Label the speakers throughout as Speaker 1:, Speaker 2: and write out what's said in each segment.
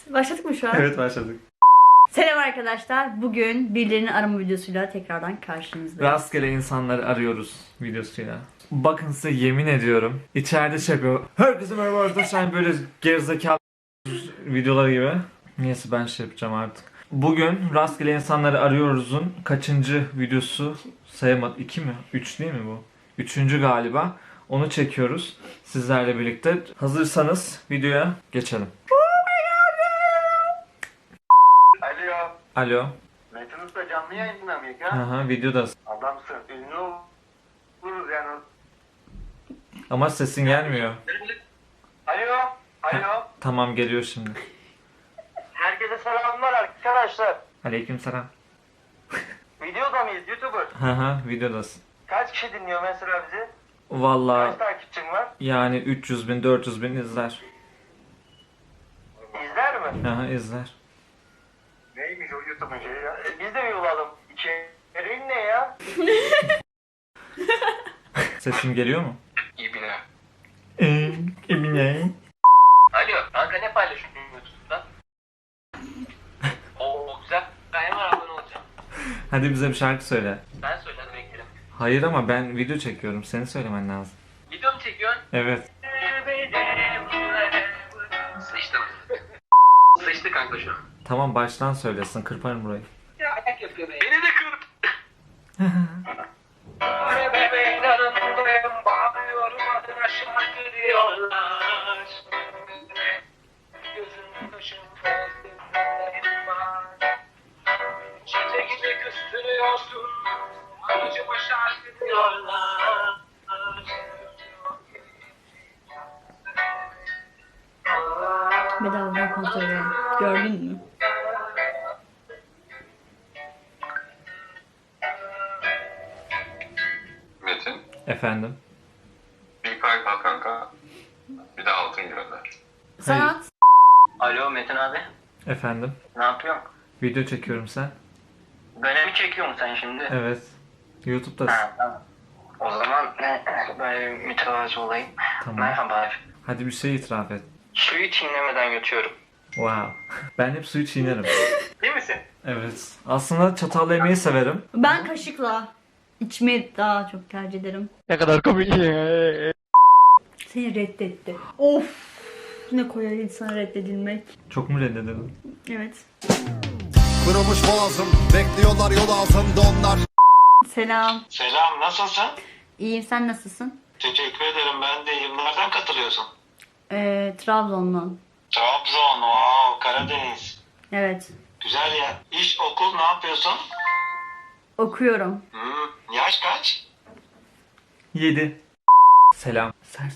Speaker 1: Başladık mı şu an?
Speaker 2: Evet, başladık.
Speaker 1: Selam arkadaşlar. Bugün birilerini arama videosuyla tekrardan karşınızdayız.
Speaker 2: Rastgele insanları arıyoruz videosuyla. Bakın size yemin ediyorum. İçeride şey yapıyor. Herkese merhaba arkadaşlar. Böyle gerizekalı videoları gibi. Neyse ben şey yapacağım artık. Bugün rastgele insanları arıyoruz'un kaçıncı videosu sayamadım. 2 mi? 3 değil mi bu? 3. galiba. Onu çekiyoruz sizlerle birlikte. Hazırsanız videoya geçelim.
Speaker 3: Alo.
Speaker 2: Alo.
Speaker 3: Metin Usta canlı yayında mıyız ya?
Speaker 2: Aha, videodasın.
Speaker 3: Adamsın. Ünlü oluruz yani.
Speaker 2: Ama sesin gelmiyor.
Speaker 3: Alo. Alo.
Speaker 2: Tamam, geliyor şimdi.
Speaker 3: Herkese selamlar arkadaşlar.
Speaker 2: Aleykümselam.
Speaker 3: Videoda mıyız? YouTuber.
Speaker 2: Haha, videodasın.
Speaker 3: Kaç kişi dinliyor mesela bizi?
Speaker 2: Vallahi
Speaker 3: Kaç takipçin var?
Speaker 2: yani 300 bin 400 bin izler.
Speaker 3: İzler mi?
Speaker 2: Aha, izler.
Speaker 3: Neymiş o YouTube'un şeyi ya? Biz de bir olalım. İçeriğin ne ya?
Speaker 2: Sesim geliyor mu?
Speaker 3: İbine.
Speaker 2: Emine.
Speaker 3: Alo. Kanka ne paylaşıyorsun YouTube'da? Oo güzel. Ben hemen abone olacağım.
Speaker 2: Hadi bize bir şarkı söyle.
Speaker 3: Ben söyledim beklerim.
Speaker 2: Hayır, ama ben video çekiyorum. Seni söylemen lazım.
Speaker 3: Video mu çekiyorsun?
Speaker 2: Evet.
Speaker 3: Sıçtı mı? Sıçtı kanka şu an.
Speaker 2: Tamam, baştan söylesin. Kırparım burayı.
Speaker 3: Ya ayak yapıyor be. Beni de kırp. Bebeğin yanındayım, bağırıyorum adına şarkı diyorlar. Gözüm kaşım festimlerim var. Gece gece küstürüyorsun, acıma şarkı diyorlar.
Speaker 1: Bedavadan kontrol edelim. Gördün mü?
Speaker 4: Metin,
Speaker 2: Efendim?
Speaker 4: bir kalp al kanka. Bir de altın gönder.
Speaker 1: Sanat.
Speaker 3: Alo Metin abi,
Speaker 2: Efendim?
Speaker 3: ne yapıyorsun?
Speaker 2: Video çekiyorum, sen?
Speaker 3: Böyle mi çekiyorsun sen şimdi?
Speaker 2: Evet. YouTube'dasın.
Speaker 3: Ha, tamam. O zaman ben mütevazı olayım.
Speaker 2: Tamam.
Speaker 3: Merhaba.
Speaker 2: Hadi bir şey itiraf et.
Speaker 3: Suyu çiğnemeden yutuyorum.
Speaker 2: Wow. Ben hep suyu çiğnerim.
Speaker 3: Değil misin?
Speaker 2: Evet. Aslında çatalla yemeyi severim.
Speaker 1: Ben kaşıkla içmeyi daha çok tercih ederim.
Speaker 2: Ne kadar komik.
Speaker 1: Seni reddetti. Of. Ne koyar insana reddedilmek.
Speaker 2: Çok mu reddedildim?
Speaker 1: Evet.
Speaker 5: Kırılmış boğazım, bekliyorlar yol altında onlar.
Speaker 1: Selam.
Speaker 3: Selam, nasılsın?
Speaker 1: İyiyim, sen nasılsın?
Speaker 3: Teşekkür ederim, ben de iyiyim. Nereden katılıyorsun?
Speaker 1: Trabzon'dan.
Speaker 3: Trabzon, wow, Karadeniz.
Speaker 1: Evet.
Speaker 3: Güzel ya. İş, okul ne yapıyorsun?
Speaker 1: Okuyorum.
Speaker 3: Yaş kaç?
Speaker 2: 7. Selam.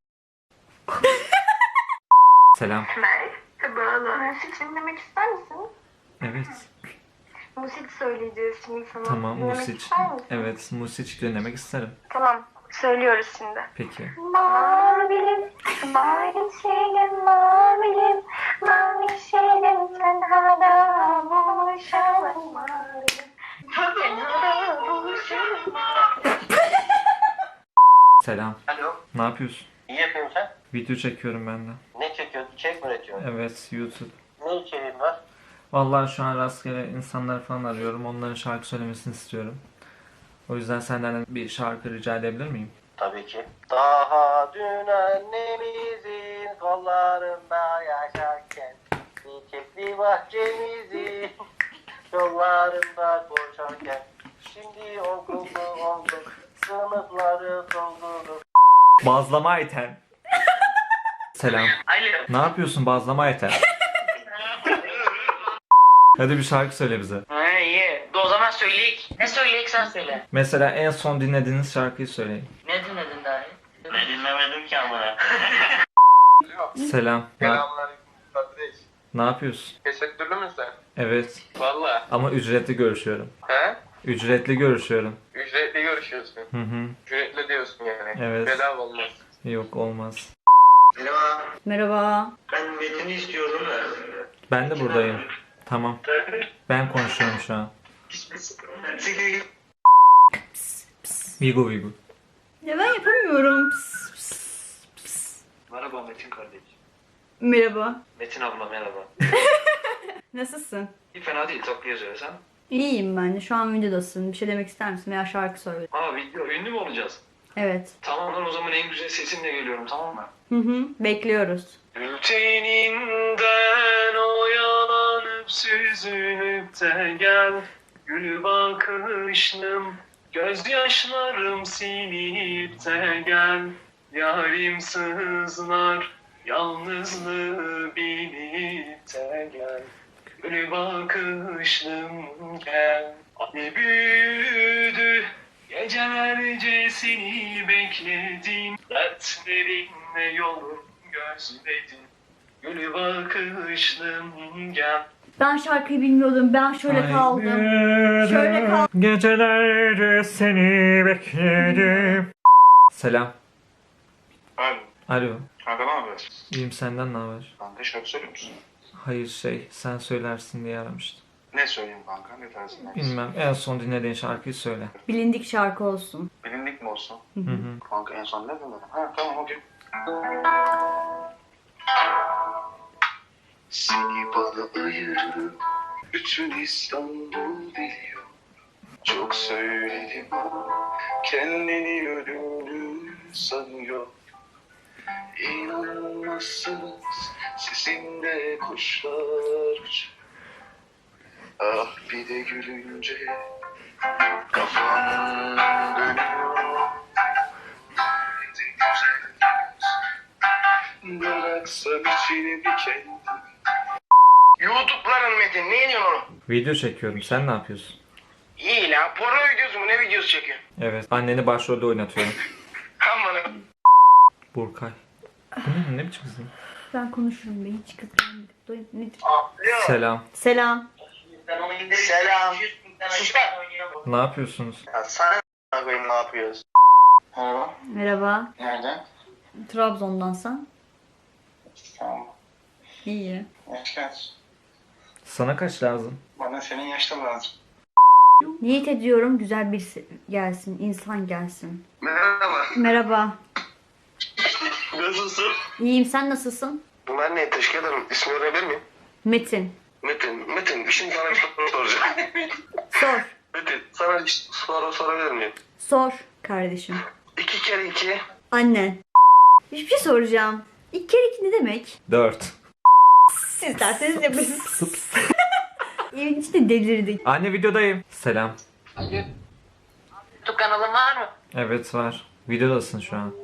Speaker 2: Selam.
Speaker 6: Merhaba, müzik dinlemek ister misin?
Speaker 2: Evet.
Speaker 6: Müzik söyleyeceğiz şimdi sana.
Speaker 2: Tamam,
Speaker 6: Dinlemek
Speaker 2: Music.
Speaker 6: ister misin?
Speaker 2: Evet, Music dinlemek isterim.
Speaker 6: Tamam, söylüyoruz şimdi.
Speaker 2: Peki.
Speaker 6: Mavilim, mavi şeyim, mavilim, mavi şeyim, tenhada buluşalım mavilim. Tenhada buluşalım mavilim.
Speaker 2: Selam.
Speaker 3: Alo,
Speaker 2: Ne yapıyorsun?
Speaker 3: iyi yapıyorum sen?
Speaker 2: Video çekiyorum ben de.
Speaker 3: Ne çekiyorsun? İçerik mi üretiyorsun?
Speaker 2: Evet, YouTube.
Speaker 3: Ne içeriğin var?
Speaker 2: Vallahi şu an rastgele insanlar falan arıyorum. Onların şarkı söylemesini istiyorum. O yüzden senden bir şarkı rica edebilir miyim?
Speaker 3: Tabii ki. Daha dün annemizin kollarında yaşarken çiçekli bahçemizin yollarında koşarken şimdi okullu olduk, sınıfları doldurduk.
Speaker 2: Bazlama iten. Selam.
Speaker 3: Alo.
Speaker 2: Ne yapıyorsun bazlama iten? Hadi bir şarkı söyle bize.
Speaker 3: Ha iyi. O zaman söyleyek. Ne söyleyek sen söyle.
Speaker 2: Mesela en son dinlediğiniz şarkıyı söyleyin.
Speaker 3: Ne dinledin daha iyi? Ne dinlemedim ki amına.
Speaker 2: Selam.
Speaker 4: Selamünaleyküm kardeş.
Speaker 2: Ne yapıyorsun?
Speaker 4: Teşekkürlü müsün sen?
Speaker 2: Evet.
Speaker 4: Valla.
Speaker 2: Ama ücretli görüşüyorum.
Speaker 4: He?
Speaker 2: Ücretli görüşüyorum.
Speaker 4: Ücretli görüşüyorsun.
Speaker 2: Hı hı.
Speaker 4: Ücretli diyorsun yani.
Speaker 2: Evet.
Speaker 4: Bedava olmaz.
Speaker 2: Yok, olmaz.
Speaker 3: Merhaba.
Speaker 1: Merhaba.
Speaker 3: Ben Metin'i istiyordum da.
Speaker 2: Ben de buradayım. Tamam. Ben konuşuyorum şu an. Vigo Vigo.
Speaker 1: Ya ben yapamıyorum. Pıs, pıs, pıs.
Speaker 3: Merhaba Metin kardeş.
Speaker 1: Merhaba.
Speaker 3: Metin abla merhaba.
Speaker 1: Nasılsın?
Speaker 7: İyi, fena değil, tatlı yazıyor sen.
Speaker 1: İyiyim ben de. Şu an videodasın. Bir şey demek ister misin? Veya şarkı söyle.
Speaker 7: Aa, video ünlü mü olacağız?
Speaker 1: Evet.
Speaker 7: Tamam lan, o zaman en güzel sesimle geliyorum, tamam mı?
Speaker 1: Hı hı. Bekliyoruz.
Speaker 7: Bülteninden oyalanıp süzülüp de gel. Gül bakışlım, gözyaşlarım silip de gel. Yarim sızlar, yalnızlığı bilip de gel. Gül bakışlım gel. Hani büyüdü, gecelerce seni bekledim. Dertlerinle yolum gözledim. Gül bakışlım gel.
Speaker 1: Ben şarkıyı bilmiyordum. Ben şöyle kaldım. Şöyle kaldım.
Speaker 2: Gecelerce seni bekledim. Selam.
Speaker 4: Alo.
Speaker 2: Alo.
Speaker 4: Kanka ne haber?
Speaker 2: İyiyim, senden ne haber?
Speaker 4: Kanka şarkı söylüyor musun?
Speaker 2: Hayır, sen söylersin diye aramıştım.
Speaker 4: Ne söyleyeyim kanka? Ne tarzında?
Speaker 2: Bilmem, en son dinlediğin şarkıyı söyle.
Speaker 1: Bilindik şarkı olsun.
Speaker 4: Bilindik mi olsun?
Speaker 2: Hı hı.
Speaker 4: Kanka en son ne dinledin? Ha tamam, okey. Seni bana ayırır, bütün İstanbul biliyor. Çok söyledim ama kendini ölümlü sanıyor. İnanmazsınız, sesinde kuşlar uçuyor. Ah bir de gülünce kafam dönüyor. Nerede güzel yüz, bıraksam içini bir kendim.
Speaker 3: YouTube'ların Metin ne ediyorsun oğlum?
Speaker 2: Video çekiyorum, sen ne yapıyorsun?
Speaker 3: İyi lan porno videosu mu ne videosu çekiyorsun?
Speaker 2: Evet, anneni başrolde oynatıyorum.
Speaker 3: Aman
Speaker 2: Burkay. Bu ne biçim kızım?
Speaker 1: Ben konuşurum be. Hiç kızlanmadık. Nedir?
Speaker 2: Selam.
Speaker 1: Selam.
Speaker 3: Selam. Sus lan.
Speaker 2: Ne yapıyorsunuz?
Speaker 3: Ya sana ne koyayım ne yapıyoruz?
Speaker 4: Merhaba.
Speaker 1: Merhaba.
Speaker 4: Nereden?
Speaker 1: Trabzon'dansan.
Speaker 4: Tamam.
Speaker 1: İyi.
Speaker 4: Yaş kaç?
Speaker 2: Sana kaç lazım?
Speaker 4: Bana senin yaşta lazım.
Speaker 1: Niyet ediyorum güzel bir gelsin. İnsan gelsin.
Speaker 3: Merhaba.
Speaker 1: Merhaba.
Speaker 3: Nasılsın?
Speaker 1: İyiyim. Sen nasılsın?
Speaker 3: Ben ne teşekkür ederim. İsmini öğrenebilir miyim?
Speaker 1: Metin.
Speaker 3: Metin, şimdi sana bir soru soracağım.
Speaker 1: Sor.
Speaker 3: Metin, sana bir soru sorabilir miyim?
Speaker 1: Sor kardeşim.
Speaker 3: 2 kere 2.
Speaker 1: Annen. Bir şey soracağım. 2 kere 2 ne demek?
Speaker 2: 4.
Speaker 1: Siz derseniz yapın. Evin içinde delirdik.
Speaker 2: Anne, videodayım. Selam.
Speaker 6: YouTube kanalın var mı?
Speaker 2: Evet, var. Videodasın şu an.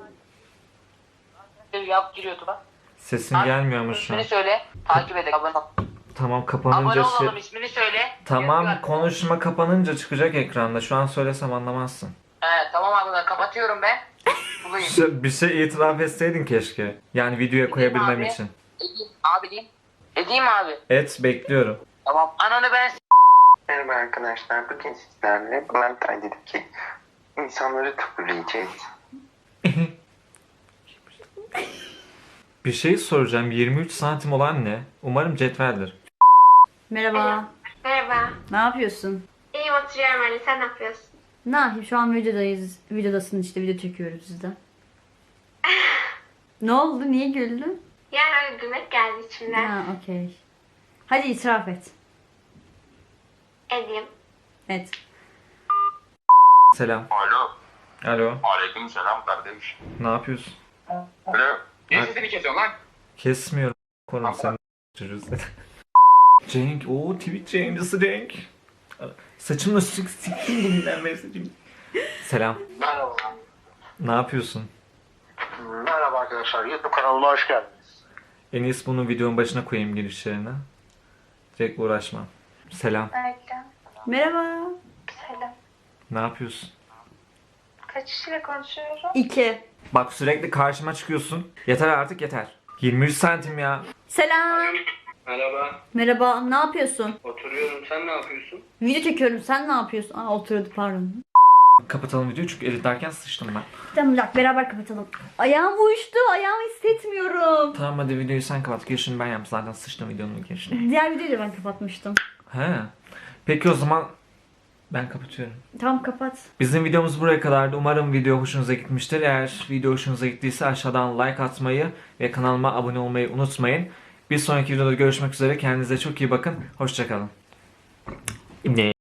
Speaker 6: Yap gir YouTube'a.
Speaker 2: Sesin gelmiyormuş şu an.
Speaker 6: İsmini söyle. Takip edelim. Abone ol.
Speaker 2: Tamam,
Speaker 6: Abone
Speaker 2: kapanınca
Speaker 6: olalım, ismini söyle.
Speaker 2: Tamam,
Speaker 6: Gör.
Speaker 2: konuşma kapanınca çıkacak ekranda. Şu an söylesem anlamazsın.
Speaker 6: He, tamam abi ben kapatıyorum ben. Bulayım.
Speaker 2: Bir şey itiraf etseydin keşke. Yani videoya koyabilmem
Speaker 6: abi.
Speaker 2: için.
Speaker 6: Edeyim abi diyeyim. Edeyim abi.
Speaker 2: Et, bekliyorum.
Speaker 6: Tamam. Ananı ben
Speaker 3: Merhaba arkadaşlar, bugün sizlerle Valentine dedik ki insanları tıpırlayacağız.
Speaker 2: Bir şey soracağım. 23 santim olan ne? Umarım cetveldir.
Speaker 1: Merhaba.
Speaker 8: Merhaba.
Speaker 1: Ne yapıyorsun?
Speaker 8: İyiyim oturuyorum öyle. Sen ne yapıyorsun?
Speaker 1: Ne yapayım? Şu an videodayız. Videodasın işte. Video çekiyoruz sizde. Ne oldu? Niye güldün?
Speaker 8: Yani öyle gülmek geldi içimden.
Speaker 1: Ha, okey. Hadi itiraf et.
Speaker 8: Edeyim.
Speaker 1: Et.
Speaker 2: Selam.
Speaker 4: Alo.
Speaker 2: Alo.
Speaker 4: Aleyküm selam kardeş.
Speaker 2: Ne yapıyorsun?
Speaker 4: Alo. Niye sesini kesiyorsun lan?
Speaker 2: Kesmiyorum. Konum sen çocuğuz. Cenk. Oo, Twitch yayıncısı Cenk. Saçımla sikeyim bugünden beri saçım. Selam.
Speaker 3: Merhaba.
Speaker 2: Ne yapıyorsun?
Speaker 3: Merhaba arkadaşlar, YouTube kanalıma hoş geldiniz.
Speaker 2: En iyisi bunu videonun başına koyayım girişlerine. Direkt uğraşma. Selam.
Speaker 8: Öyle.
Speaker 1: Merhaba.
Speaker 8: Selam.
Speaker 2: Ne yapıyorsun?
Speaker 8: Kaç kişiyle konuşuyorum?
Speaker 1: 2.
Speaker 2: Bak, sürekli karşıma çıkıyorsun. Yeter artık, yeter. 23 santim ya.
Speaker 1: Selam.
Speaker 3: Merhaba,
Speaker 1: Merhaba. Ne yapıyorsun?
Speaker 3: oturuyorum. Sen ne yapıyorsun?
Speaker 1: Video çekiyorum. Sen ne yapıyorsun? Aa, oturuyordu pardon.
Speaker 2: Kapatalım videoyu çünkü editlerken sıçtım ben.
Speaker 1: Tamam bir dakika, beraber kapatalım. Ayağım uyuştu. Ayağımı hissetmiyorum.
Speaker 2: Tamam, hadi videoyu sen kapat. Girişini ben yaptım. Zaten sıçtım videonun girişini.
Speaker 1: Diğer videoyu da ben kapatmıştım.
Speaker 2: He. Peki o zaman ben kapatıyorum.
Speaker 1: Tamam kapat.
Speaker 2: Bizim videomuz buraya kadardı. Umarım video hoşunuza gitmiştir. Eğer video hoşunuza gittiyse aşağıdan like atmayı ve kanalıma abone olmayı unutmayın. Bir sonraki videoda görüşmek üzere. Kendinize çok iyi bakın. Hoşçakalın. Ne?